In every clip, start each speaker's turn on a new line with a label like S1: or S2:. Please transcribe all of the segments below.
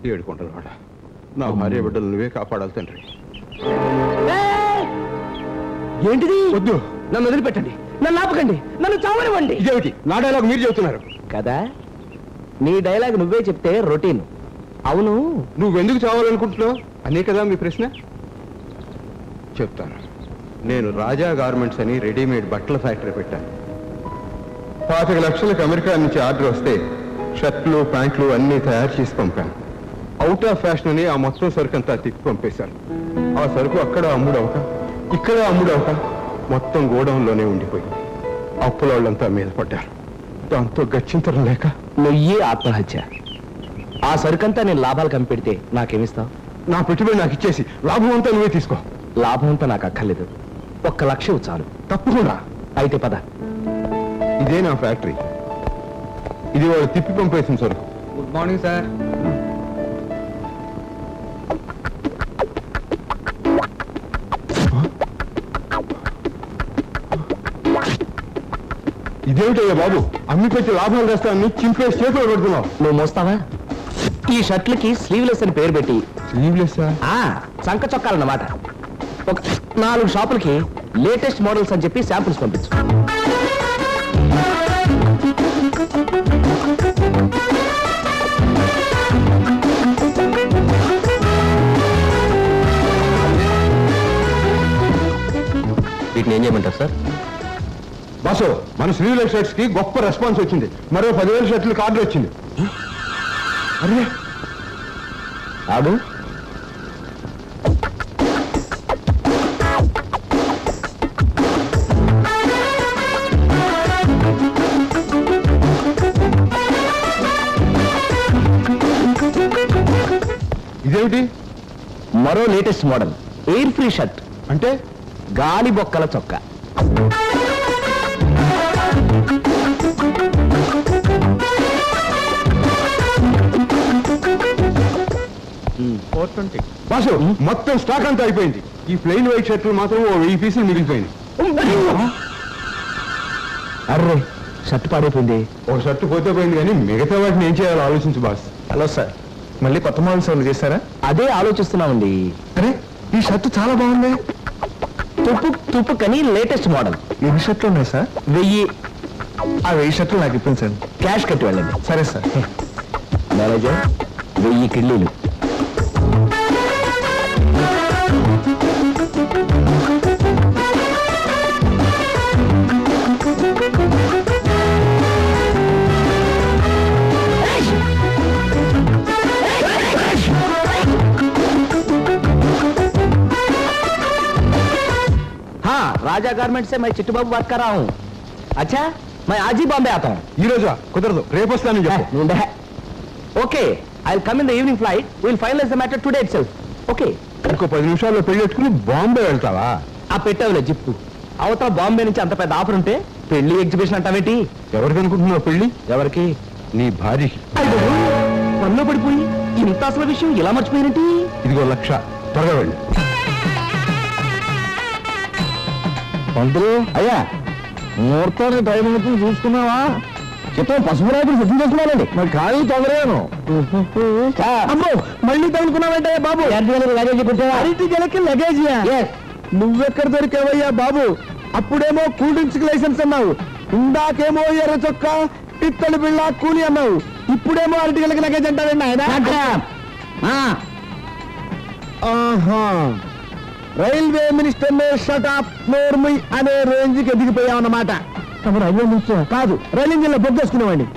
S1: ఏడుకుంటున్నాడు. నా భార్య బిడ్డలు నువ్వే కాపాడాలి తండ్రి.
S2: ఏంటిది?
S1: వద్దు,
S2: నన్ను వదిలిపెట్టండి, నన్ను ఆపకండి, నన్ను చావనివ్వండి.
S1: ఇదేమిటి నా డైలాగ్ మీరు చెబుతున్నారు
S2: కదా? నీ డైలాగ్ నువ్వే చెప్తే రొటీన్. అవును,
S1: నువ్వెందుకు చావాలనుకుంటున్నావు అనే కదా మీ ప్రశ్న. చెప్తాను. నేను రాజా గార్మెంట్స్ అని రెడీమేడ్ బట్టల ఫ్యాక్టరీ పెట్టాను. 25 లక్షలకు అమెరికా నుంచి ఆర్డర్ వస్తే షర్ట్లు ప్యాంట్లు అన్నీ తయారు చేసి పంపాను. అవుట్ ఆఫ్ ఫ్యాషన్ అని ఆ మొత్తం సరుకు అంతా తిప్పి పంపేశాను. ఆ సరుకు అక్కడ అమ్ముడవక ఇక్కడ అమ్ముడవక మొత్తం గోడౌన్లోనే ఉండిపోయింది. అప్పుల వాళ్ళంతా మీద పడ్డారు. దాంతో గచ్చింతరం లేక
S2: నువ్వే ఆత్మహత్య. ఆ సరుకంతా నేను లాభాలు కనిపెడితే నాకేమిస్తావు?
S1: నా పెట్టుబడి నాకు ఇచ్చేసి లాభం అంతా నువ్వే తీసుకో.
S2: లాభం అంతా నాకు అక్కర్లేదు, 1 లక్ష చాలు.
S1: తప్పకుండా.
S2: అయితే పద.
S1: ఇదే నా ఫ్యాక్టరీ. ఇది వాళ్ళు తిప్పి పంపేసిన సరుకు.
S2: Good morning sir.
S1: ఇదేమిటయ్యా బాబు, అమ్మి పెట్టి లాభాలు తెస్తాను చింపేసి చేతులు పెడుతున్నావు.
S2: నువ్వు మోస్తావా? ఈ షర్ట్లకి స్లీవ్లెస్ అని పేరు పెట్టి
S1: స్లీవ్లెస్
S2: సంక చొక్కాలన్నమాట. ఒక 4 షాపులకి లేటెస్ట్ మోడల్స్ అని చెప్పి శాంపుల్స్ పంపించు. వీటిని ఏం చేయమంటారు సార్?
S1: బాసు, మన స్లీవ్లెస్ షర్ట్స్ కి గొప్ప రెస్పాన్స్ వచ్చింది. మరో 10,000 షర్ట్లకు ఆర్డర్ వచ్చింది. అరే
S2: ఆడు
S1: ఇదేమిటి?
S2: మరో latest model air free shirt.
S1: అంటే
S2: గాలి బొక్కల చొక్కా.
S1: బాసు, మొత్తం స్టాక్ అంతా అయిపోయింది. ఈ ప్లెయిన్ వైట్ షర్ట్లు మాత్రం 1000 పీసులు మిగిలిపోయింది.
S2: అర్రే, షర్ట్ పాడైపోయింది.
S1: ఒక షర్ట్ పోతే పోయింది, కానీ మిగతా వాటిని ఏం చేయాలో ఆలోచించు బాస్.
S2: హలో సార్,
S1: మళ్ళీ కొత్త మోడల్స్ ఏమైనా చేస్తారా?
S2: అదే ఆలోచిస్తున్నామండి.
S1: అరే, ఈ షర్ట్ చాలా బాగుంది.
S2: తుప్పు కని లేటెస్ట్ మోడల్.
S1: ఎన్ని షర్ట్లు ఉన్నాయి సార్?
S2: 1000.
S1: ఆ 1000 షర్ట్లు నాకు ఇప్పించండి.
S2: క్యాష్ కట్టి వెళ్ళండి.
S1: సరే సార్.
S2: మేనేజర్, 1000 కిళ్ళీలు. राजा गारमेंट से मैं चिट्टू बाबू बात कर रहा हूँ. अच्छा, मैं आज ही बॉम्बे आता हूँ.
S1: ఈ రోజా కుదరదు, రేపు వస్తానని చెప్పు.
S2: Okay, I will come in the evening flight. We will finalize the matter today itself. Okay.
S1: ఇంకో 10 నిమిషాల్లో పెళ్లి పెట్టుకుని బాంబే వెళ్తావా?
S2: ఆ పెట్టావులే జిప్పు. అవతల బాంబే నుంచి అంత పెద్ద ఆఫర్ ఉంటే పెళ్లి ఎగ్జిబిషన్ అంటావేంటి?
S1: ఎవరికి అనుకుంటున్నావు పెళ్లి?
S2: ఎవరికి?
S1: నీ భార్యకి.
S2: పనిలో పడిపోయి ఇంత అసలు విషయం ఇలా మర్చిపోయినట్టి.
S1: ఇదిగో 1 లక్ష, త్వరగా వెళ్ళి.
S2: పంతులు అయ్యా, ముహూర్తానికి టైం అవుతుంది చూసుకున్నావా? చెప్తా పసుపు రాత్రి సిద్ధం చేసుకున్నానండి. మరి ఖాళీ తొందరగాను. అమ్మో, మళ్ళీ తగులుకున్నావంటే బాబు. లగేజ్ పెట్టావా? అరటి గెలకి లగేజియా? నువ్వెక్కడ దొరికావయ్యా బాబు? అప్పుడేమో కూల్ డ్రింక్స్ కి లైసెన్స్ అన్నావు, ఇందాకేమో ఎర్ర చొక్కా పిత్తడి బిళ్ళ కూలి అన్నావు, ఇప్పుడేమో అరటి గెలకి లగేజ్ అంటావండి ఆయన. ఆహా, రైల్వే మినిస్టర్ షట్ అప్ నోర్మి అనే రేంజ్ కి ఎదిగిపోయావన్నమాట. రైల్వే మినిస్టర్ కాదు, రైలు ఇంజిన్ లో బొగ్గేసుకునేవాడి.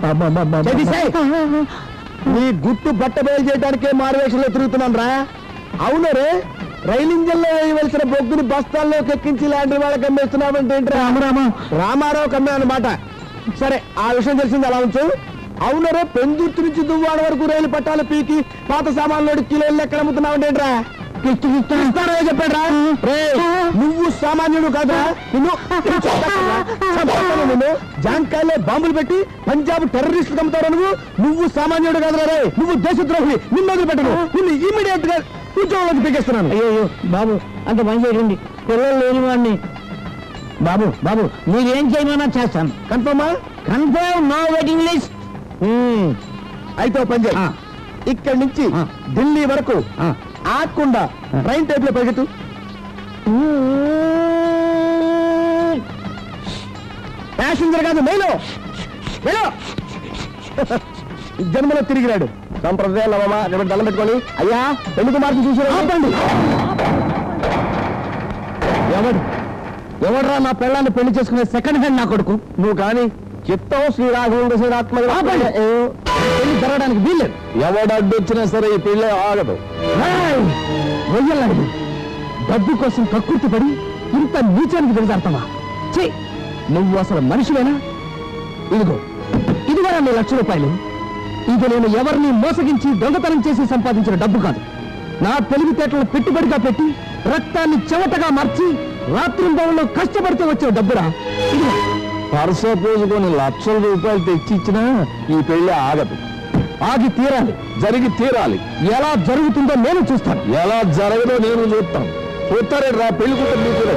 S2: నీ గుట్టు బట్ట బయలు చేయడానికే మారువేషంలో తిరుగుతున్నాను రా. అవును రే, రైలు ఇంజిన్ లో వేయవలసిన బొగ్గుని బస్తాల్లోకి ఎక్కించి లాంటి వాళ్ళకి అమ్మేస్తున్నావంటే రామారావు కమ్మే అన్నమాట. సరే, ఆ విషయం తెలిసింది అలా ఉంచు. అవును రే, పెందుర్తి నుంచి దువ్వాడ వరకు రైలు పట్టాలు పీకి పాత సామాన్లు కిలోలు ఎక్కడ అమ్ముతున్నావంటే చెప్పాడు రా. నువ్వు సామాన్యుడు కాదురా, నిన్ను జాంకాయలో బాంబులు పెట్టి పంజాబ్ టెర్రరిస్టులు అమ్ముతావు. నువ్వు సామాన్యుడు కాదురా రే, నువ్వు దేశద్రోహి. నిన్ను వదిలిపెట్టను, నిన్ను ఇమీడియట్ గా ఉద్యోగంలోకి పీకేస్తున్నాను. అయ్యో బాబు, అంత పని చేయండి, పిల్లలు లేని వాడిని. బాబు బాబు, మీరేం చేయమన్నా చేస్తాను. కన్ఫర్మా? Confirm, no waiting list. అయితే పని చేయి, ఇక్కడి నుంచి ఢిల్లీ వరకు ఆకుండా ట్రైన్ టైప్ లో పరిగెత్తు. ప్యాసింజర్ కాదు మేలో జన్మలో తిరిగిరాడు. సంప్రదాయాలు అమ్మా దండం పెట్టుకొని అయ్యా పెళ్లి కుమార్తె చూసారు. ఎవడరా నా పెళ్ళాన్ని పెళ్లి చేసుకునే సెకండ్ హ్యాండ్ నా కొడుకు? నువ్వు కానీ చిత్తం శ్రీరాఘవేంద్ర శ్రీరాత్మ పెళ్లి జరగడానికి వీల్లేదు. ఎవడడ్డు వచ్చినా సరే ఈ పెళ్ళే ఆగదు. రొయ్యలాడు డబ్బు కోసం కక్కుర్తి పడి ఇంత నీచానికి దిగజారుతావా? ఛీ, నువ్వు అసలు మనిషివేనా? ఇదిగో నీ ₹1,00,000. ఇది నేను ఎవరిని మోసగించి దొంగతనం చేసి సంపాదించిన డబ్బు కాదు. నా తెలివితేటలు పెట్టుబడిగా పెట్టి రక్తాన్ని చెమటగా మార్చి రాత్రింబవల్లో కష్టపడితే వచ్చే డబ్బురా. పర్సో పోసుకొని ₹1,00,000 తెచ్చి ఇచ్చినా ఈ పెళ్లి ఆగదు. ఆగి తీరాలి, జరిగి తీరాలి. ఎలా జరుగుతుందో నేను చూస్తాను. ఎలా జరగదో నేను చూస్తాను. చూస్తారే రా పెళ్లి కూతురు మీకు.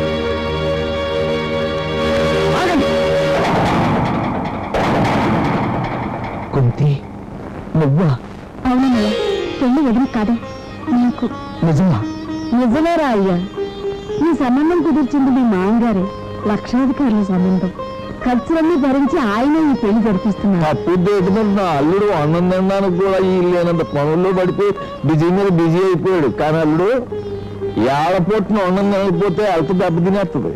S2: కుంతి, నువ్వా?
S3: అవునయ్యా, పెళ్లి వదిలి కాదా నీకు?
S2: నిజమా?
S3: నిజమేరా అయ్యా. ఈ సంబంధం కుదిర్చింది మీ మామగారే. లక్షాధికారుల సంబంధం. ఖర్చులన్నీ భరించి ఆయన ఈ పెళ్లి జరిపిస్తున్నారు.
S2: తప్పు నా అల్లుడు అన్నం తినడానికి కూడా ఈ లేనంత పనుల్లో పడిపోయి బిజీ మీద బిజీ అయిపోయాడు. కానీ అల్లుడు ఏడపొట్టున అన్నం తినకపోతే అల్ప దెబ్బ తినేస్తుంది.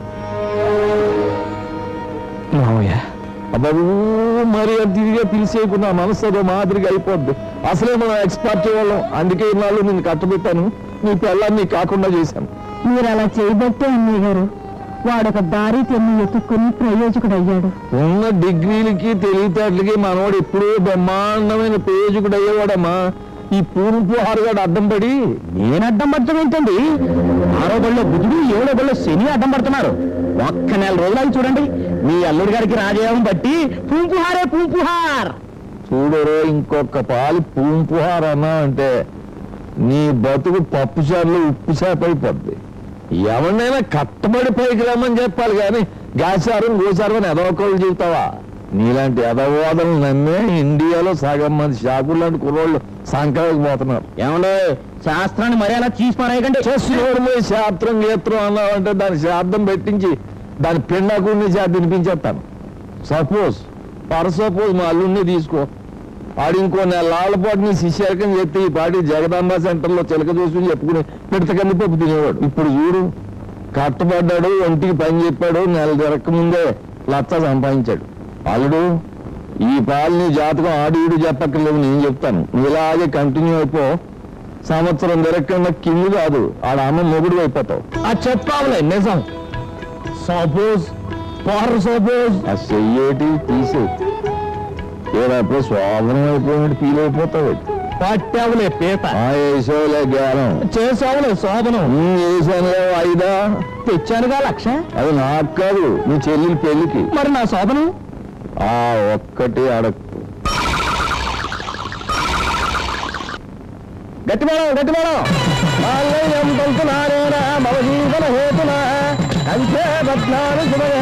S2: బాబు మరి తిరిగే పిలిచేయకున్నా మనసు అదో మాదిరిగా అయిపోద్ది. అసలే మనం ఎక్స్పర్ట్ వాళ్ళం. అందుకే ఇన్నాళ్ళు నేను కట్టబెట్టాను. నీ పిల్లల్ని కాకుండా చేశాను.
S3: మీరు అలా చేయబట్టే అన్నయ్య గారు వాడొక దారి తెన్ని ఎత్తుక్కుని ప్రయోజకుడు అయ్యాడు.
S2: ఉన్న డిగ్రీలకి తెలివితేటలకి మనవాడు ఎప్పుడూ బ్రహ్మాండమైన ప్రయోజకుడు అయ్యేవాడమ్మా. ఈ పూర్పు హారుగాడు అడ్డం పడి. నేను అడ్డం పడటం ఏంటండి? 6వ బడిలో బుధుడు 7వ బడిలో శని అడ్డం పడుతున్నారు. ఒక్క నెల రోజులు చూడండి, మీ అల్లుడి గారికి రాజయోగం బట్టి పూంపుహారే పూంపుహార్. చూడరో ఇంకొక పాలి పూంపుహార్ అన్నా అంటే నీ బతుకు పప్పు చారులు ఉప్పు చేప అయిపోద్ది. ఎవరినైనా కట్టబడి పైకి రమ్మని చెప్పాలి కానీ గాచారం గోచారం అని ఎదవకోళ్ళు చెబుతావా? నీలాంటి ఎదవాదనలు నమ్మే ఇండియాలో సగం మంది షాపులు లాంటి కుర్రోళ్ళు సంక్రాంతికి పోతున్నారు. ఏమంటే శాస్త్రాన్ని మరి అలా చీసిపారాయకండి. చేసినోడు శాస్త్రం గీత్రం అన్నావంటే దాని శాబ్దం పెట్టించి దాని పిండాకుడిని తినిపించేస్తాను. సపోజ్ మా అల్లుడిని తీసుకో. ఆడు ఇంకో నెలల పాటు నీ శిష్యారకం చెప్తే ఈ పాటి జగదాంబ సెంటర్లో చిలక చూసుకుని చెప్పుకుని పిడత కంది పప్పు తినేవాడు. ఇప్పుడు చూడు, కట్టబడ్డాడు, ఒంటికి పని చెప్పాడు, నెల తిరక్క ముందే లచ్చ సంపాదించాడు. అల్లుడు ఈ పాలని జాతకం ఆడు ఈడు చెప్పక్కర్లేవు, నేను చెప్తాను. నువ్వు ఇలాగే కంటిన్యూ అయిపో. సంవత్సరం తిరగకుండా కింది కాదు ఆడ అమ్మ మొగుడు అయిపోతావు. అది చెప్పావులే నిజం. సపోజ్ చెయ్యేటి తీసే ఏదప్పుడు శోభనం అయిపోయినట్టు ఫీల్ అయిపోతావు. పట్టావులే పీత. వేసావులే గాలం. చేసావులే శోభనం. వేసానులే 5 తెచ్చానుగా 1,00,000. అది నాకు కాదు, నీ చెల్లెలి పెళ్లికి. మరి నా శోభనం ఒక్కటి అడక్కు. గట్టిమేడం మమ జీవన హేతున అంతే బద్నాలు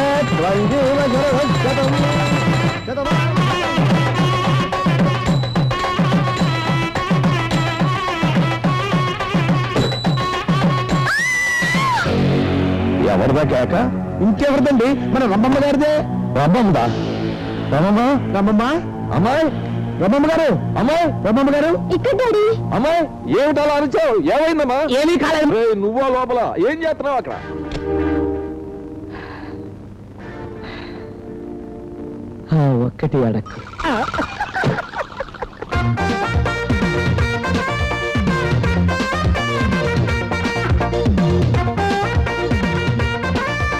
S2: ఎవరిదా కేక? ఇంకెవరిదండి? మన రమ్మమ్మ గారిదే. రమ్మమ్మదా? రమ్మమ్మ అమ్మాయి, రమ్మమ్మ గారు, అమ్మాయి రమ్మమ్మ గారు.
S3: ఇక్కడ డాడీ.
S2: అమ్మాయి ఏమిటి అలా అరిచావు? ఏమైందమ్మా? ఏమీ కాలేదు. నువ్వో లోపల ఏం చేస్తున్నావు అక్కడ? ఒక్కటి అడక్కు.